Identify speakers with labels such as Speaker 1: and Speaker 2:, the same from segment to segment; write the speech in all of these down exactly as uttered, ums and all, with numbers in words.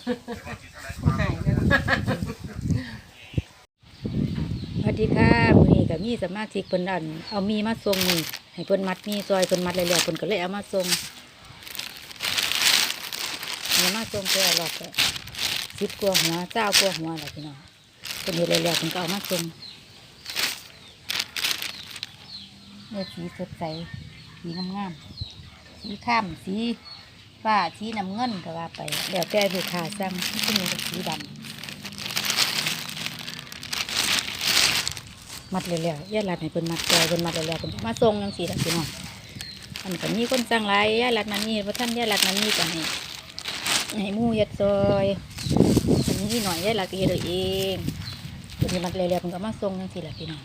Speaker 1: สวัสดีค่ะมื้อนี้ก็มีสมาชิกเพิ่นอันเอามีมาส่งนี่ให้เพิ่นมัดมีซอยเพิ่นมัดแล้วๆเพิ่นก็เลยเอามาส่งเอามาส่งเพื่อรอบก็สิบกว่าหัวเจ้ากว่าหัวล่ะพี่น้องเพิ่นเฮ็ดแล้วๆเพิ่นก็เอามาส่งเนี่ยสีสดใสสีงามๆสีข้ามสีฟ้าสีน้ำเงินก็ว่าไปแล้วแต่ลูกค้าสั่งที่มีสีดำมัดเร็วๆย่าหลัดให้เพิ่นมัดจอยเพิ่นมัดเร็วๆเพิ่นมาส่งจังซี่ล่ะพี่น้องอันก็มีคนสั่งหลายย่าหลัดมันนี่เพราะท่านย่าหลัดมันนี่ก็ให้ให้หมู่เฮ็ดซอยอันนี้หน่อยย่าหลัดก็เฮ็ดเอาเองเพิ่นมัดเร็วๆเพิ่นก็มาส่งจังซี่ล่ะพี่น้อง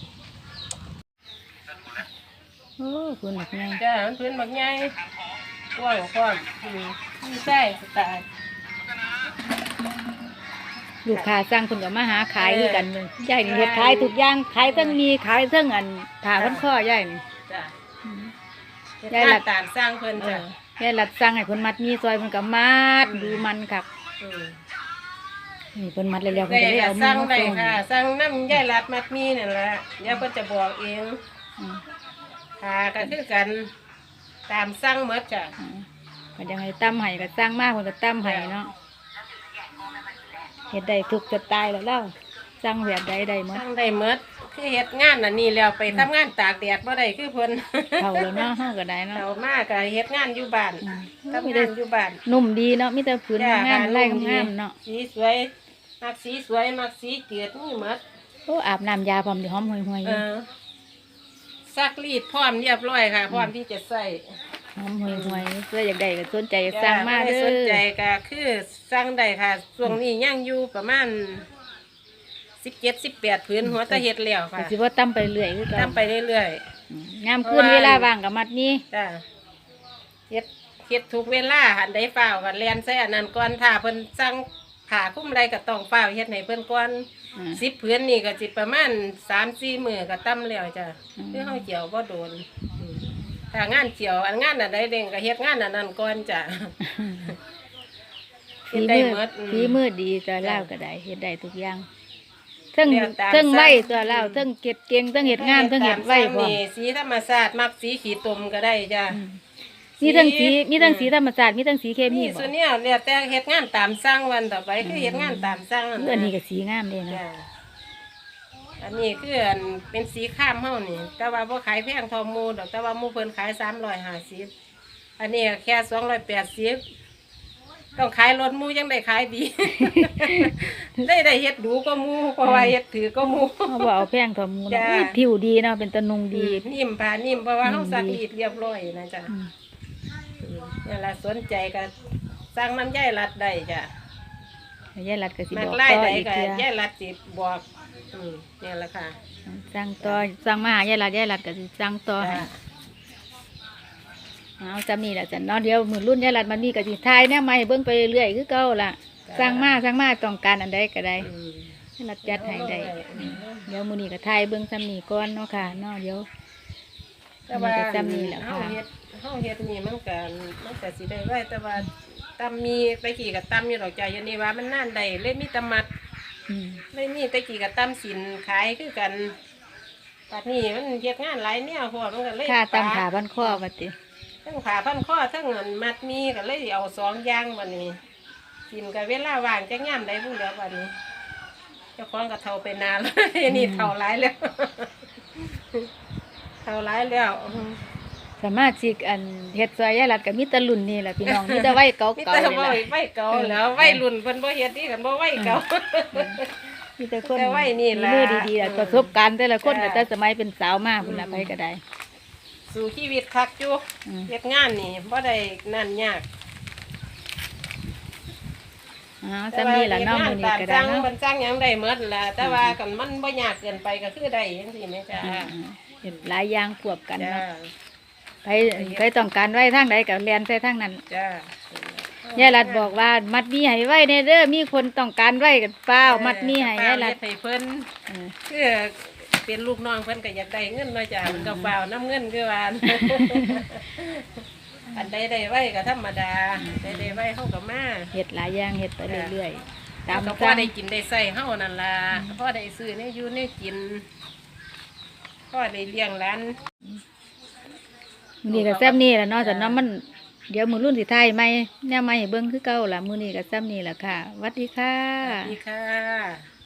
Speaker 1: โอ้เพิ่นมักใหญ่
Speaker 2: จ้ามันเป็นบักใหญ่กว้างกว้างไม่ใช่สไตล์
Speaker 1: ลูกค้าสั่งเพิ่นก็มาหาขายคือกันเลยยายนี่เฮ็ดขายทุกอย่างขายทั้งมีขายทั้งอันผ้าพันคอยายนี่
Speaker 2: จ้า
Speaker 1: ย่ายหลัด
Speaker 2: ตามสร้างเพิ่น
Speaker 1: เอ
Speaker 2: จ้ะ
Speaker 1: อยายหลัดสั่งให้เพิ่นมัดมีซอยเพิ่นก็มัดดูมันครับ
Speaker 2: อืม
Speaker 1: นี่เพิ่นมัดแล้วๆเพิ่น
Speaker 2: ได้
Speaker 1: ก็เลย
Speaker 2: ค่ะ
Speaker 1: เอา
Speaker 2: ส
Speaker 1: มื
Speaker 2: ร้า
Speaker 1: อง มา
Speaker 2: ได้
Speaker 1: ส่ง
Speaker 2: ค่ะสร้างน้ำย่ายรัดมัดมีนั่นแหละเดี๋ยวเพิ่นจะบอกเอง
Speaker 1: อืม
Speaker 2: ค่ะก็คือกันตามสร้างหมดจ้ะ
Speaker 1: อืมก็ยังให้ตั้มให้ก็สร้างมากเพิ่นก็ตั้มให้เนาะเฮ็ดได้ทุกสไตล์แล้วเล่าสั่งแบบใดได้หม
Speaker 2: ส
Speaker 1: ด
Speaker 2: ร้างได้หมดคือเฮ็ดงานอันนี้แล้วไปทำงานตากแดดบ่ได้คือเพิ่น
Speaker 1: เท่าแล้วเนาะเฮาก็ได้เนาะ
Speaker 2: เอามาก็เฮ็ดงานอยู่บ้าน
Speaker 1: อืม
Speaker 2: ทำงานอยู่บ้าน
Speaker 1: นุ่มดีเนาะมีแต่ผืน
Speaker 2: จ้ะ
Speaker 1: งาม
Speaker 2: ค่ะ
Speaker 1: ไล่
Speaker 2: นุ่มดี
Speaker 1: งามเนาะ
Speaker 2: สีสวยมักสีสวยมักสีเจืดนี่หมด
Speaker 1: โอ้อาบน้ำยาพร้อมสิหอมห่วยๆอ
Speaker 2: เอยู่ อซักรีดพร้อมเรียบร้อยค่ะ พร้อมที่จะใส่
Speaker 1: หอมห่วยๆเพื่ออยากได้ก็สนใจก็สั่งมา
Speaker 2: จ้ะ
Speaker 1: เด้
Speaker 2: สนใจ
Speaker 1: อ
Speaker 2: ก็คือสั่งได้ค่ะช่วงนี้ยังอยู่ประมาณสิบเจ็ดสิบแปดพื้นหัวตะเฮ็ดแล้ว
Speaker 1: ก็
Speaker 2: ค่ะ
Speaker 1: สิว่าตั้มไปเรื่อยคือเก่า
Speaker 2: ทำไปเรื่อย
Speaker 1: อืมยามคืนเวลาว่างก็มัดนี้
Speaker 2: ๆจ้ะเฮ็ดเฮ็ดทุกเวลาหันได้ฝ้าวกันแลนใส่อันนั้นก่อนถ้าเพิ่นสั่งผ่าคุ้มใดก็ต้องฝ้าวเฮ็ดให้เพิ่นก่อน
Speaker 1: อืม
Speaker 2: สิบพื้นนี่ก็สิประมาณสามสี่มื้อก็ตั้มแล้วจ้ะ
Speaker 1: อืม
Speaker 2: คือเฮาเจียวบ่โดนอืมถ้างานเจียวอันงานอันใดเด้งก็เฮ็ดงานอันนั้นก่อนจ้ะ เฮ็
Speaker 1: ฝี
Speaker 2: ดได้
Speaker 1: มือ
Speaker 2: หมดอืม
Speaker 1: ฝีมือดีตัวเล่าวก็ได้เฮ็ดได้ทุกอย่างเทั้ง
Speaker 2: เรียนตาม
Speaker 1: เทั้งไว้
Speaker 2: สั่ง
Speaker 1: ตัวเล่าวเทั้งเก็บเก่งเทั้งเฮ็ดงามเทั้งเฮ็ดไว้พร้อม
Speaker 2: นี่สีธรรมชาติมักสีขีดตุ่มก็ได้จ้ะ
Speaker 1: อืมมีทั้งสี
Speaker 2: สี
Speaker 1: มีทั้งสีธรรมชาติมีทั้งสีเคมี
Speaker 2: นี่
Speaker 1: บ่
Speaker 2: ส่วนเนี้ยเนี่ยแต่เฮ็ดงานตามสั่งวันต่อไปคือเฮ็ดงานตามสั่ง
Speaker 1: เอออันนี้ก็สีงามเด้นะ
Speaker 2: จ้ะอันนี้คืออันเป็นสีข้ามเฮานี่ แต่ว่าบ่ขายแพงเทอหมูดอกแต่ว่าหมูเพิ่นขายสามร้อยห้าสิบอันนี้แค่สองร้อยแปดสิบต้องขายรถหมูยังได้ขายดี ได้ได้เฮ็ดดูก็หมูเพราะว่าเฮ็ดถือก็หมู
Speaker 1: เฮาบ่เอาแพงทอหมูเนาะ
Speaker 2: จ้ะ
Speaker 1: อุ้ยผิวดีเนาะเป็นตะนุงดี
Speaker 2: นิ่มผ่านิ่มเพราะว่า
Speaker 1: นิ่
Speaker 2: เฮาม ซัก
Speaker 1: ดี
Speaker 2: รีดเรียบร้อยนะจ๊ะ
Speaker 1: อืม
Speaker 2: นี่แหละสนใจก็สั่งน้ำย่ายรัดได้จ้ะ
Speaker 1: ยายรัดก็สิ
Speaker 2: มั
Speaker 1: บ
Speaker 2: ก
Speaker 1: อก
Speaker 2: ไล่
Speaker 1: ต่อ
Speaker 2: ใด
Speaker 1: อีก
Speaker 2: ก็
Speaker 1: เทื่อย่
Speaker 2: ายรัดสิบอกอืมนี่แหละค่ะ
Speaker 1: สั่งต่อสั่งมาหายายรัดยายรัดก็สิสั่งต่อให้
Speaker 2: จ้ะ
Speaker 1: เอาจำนี่แหละจ้ะเนาะเดี๋ยวมือรุ่นยายรัดมันมีก็สิทายแนวใหม่เบิ่งไปเรื่อยๆคือเก่าล่ะสั่งมาสั่งมาต้องการอันใดก็ได้
Speaker 2: อืม
Speaker 1: ยายรัดจัดให้ได้
Speaker 2: อืม
Speaker 1: เดี๋ยวมื้อนี้ก็ทายเบิ่งซ้ำนี่ก่อนเนาะค่ะเนาะเดี๋ยว
Speaker 2: แต่ว่า
Speaker 1: มันก็จำนี่แหละค่ะ
Speaker 2: เฮาเฮ็ดเฮาเฮ็ดนี่มันก็มันก็สิได้ไว้แต่ว่าตำมีตะกี้ก็ตำอยู่ดอกจ้ะอย่างนี้ว่ามันนานได้เลยมีแตำมัด
Speaker 1: อืม
Speaker 2: เลยมีตะกี้ก็ตำสินขายคือกันปัดนี้มันเฮ็ดงานหลายแนวพอมันก็เลย
Speaker 1: ค่าตำขาพันข้อว่าติ
Speaker 2: ทั้งขาพันข้อทั้งอันมัดมีก็เลยเอาสองอย่างวันนี้กินกับเวลาว่างจะงามได้พูดแล้ววันนี้เจ้าของก็เท่าไปนานแล้ว นี่เท่าหลายแล้ว เท่าหลายแล้วอืม
Speaker 1: สามารถสิอันเฮ็ดซอยยายรัดก็มีแต่รุ่นนี่แหละพี่น้องมีแต่ไว้เก่า
Speaker 2: มี
Speaker 1: ๆ
Speaker 2: แต่
Speaker 1: นี่
Speaker 2: ว่า
Speaker 1: ล่ะ
Speaker 2: ไว้เก่าแล้วไว้รุ่นเพิ่นบ่เฮ็ดนี่กันบ่ไว้เก่า
Speaker 1: มีแต่คน
Speaker 2: แต่ไว้นี่ล่ะ
Speaker 1: มีมือดีๆล่ะ
Speaker 2: อืม
Speaker 1: ประสบการณ์แต่ละคน
Speaker 2: จ้ะ
Speaker 1: ก็แต่สมัยเป็นสาวมากพุ่นละไปก็ได้
Speaker 2: สู่ชีวิตคักอยู่
Speaker 1: อืม
Speaker 2: เฮ็ดงานนี่บ่ได้นั่นยาก
Speaker 1: อ๋อซ้ำนี่ล่ะเน้องมื้อนี้ก็ได้
Speaker 2: แต่ว่าเฮ็ดงานตามสั่ง
Speaker 1: เนาะ
Speaker 2: มันสั่งหยังได้หมดล่ะแต่ว่ากันมันบ่ยากเกินไปก็คือได้จังซี่แม่จ้า
Speaker 1: อืมเห็นหลายอย่างควบกัน
Speaker 2: จ้า
Speaker 1: เนาะไปไปต้องการไว้ทางใดก็เรียนใส่ทางนั้น
Speaker 2: จ้า
Speaker 1: ยายรัดบอกว่ามัดมีให้ไว้ในเด้อมีคนต้องการไว้กันเปล่ามัดมีให้ยายรัด
Speaker 2: เฮ็ดให้เพิ่น
Speaker 1: เออ
Speaker 2: คือเป็นลูกน้องเพิ่นก็อยากได้เงินเนาะจ้ามันก็เปล่าน้ำเงินคือว่า
Speaker 1: อ
Speaker 2: อันใดได้ไว้ก็ธรรมดาใดได้ไว้เฮาก็มา
Speaker 1: เฮ็ดหลายอย่างเฮ็ดไปเรื่อยๆตา
Speaker 2: ตาม มก็พอ
Speaker 1: สั่ง
Speaker 2: ได้กินได้ใส่เฮานั่นล่ะพอได้ซื้อเนี่ยอยู่เนี่ยกินพอได้เลี้ยงหลาน
Speaker 1: มื้อนี้ก็แซ่บนี่แหละเนาะแต่เนาะมันเดี๋ยวมื้อรุ่นสิทายใหม่แนวใหม่ให้เบิ่งคือเก่าล่ะมื้อนี้ก็แซ่บนี่แหละค่ะสวัสดีค่ะ
Speaker 2: สวัสดีค่ะ